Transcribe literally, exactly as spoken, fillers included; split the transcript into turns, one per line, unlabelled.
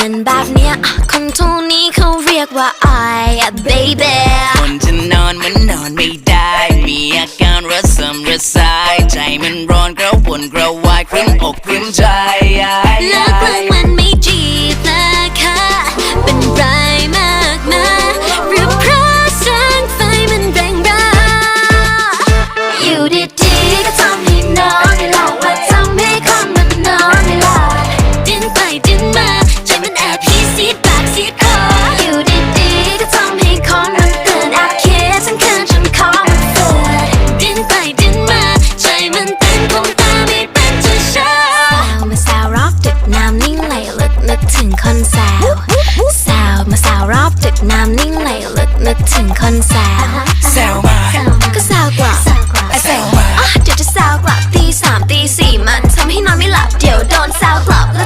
เป็นแบบเนี้ยคนทุกนี้เขาเรียกว่า I baby
คนจะนอนมันนอนไม่ได้มีอาการระสำระสายใจมันร้อนกระวนกระวายครึ่งอกครึ่งใจ
เลิกเลิกมันไม่จีบนะคะเป็นไรมากนะหรือเพราะแสงไฟมันแรงร้ายอยู่ดีๆก็ทำให้นอนไม่หลับว่าทำให้คนมันนอนไม่หลับดิ้นไปดิ้นมาใจมันแอบฮีซีดปากซีดคออยู่ดีๆก็ทำให้คนมันเตือนแอบคิดทั้งคืนจนคอมันเฟื่อยดิ้นไปดิ้นมาใจมันเต้นคงตาไม่เป็นจะเช้าสาวมาสาวรอบดึกน้ำนิ่งไหลลึกนึกถึงคนสาวสาวมาสาวรอบดึกน้ำนิ่งไหลลึกนึกถึงคนสาว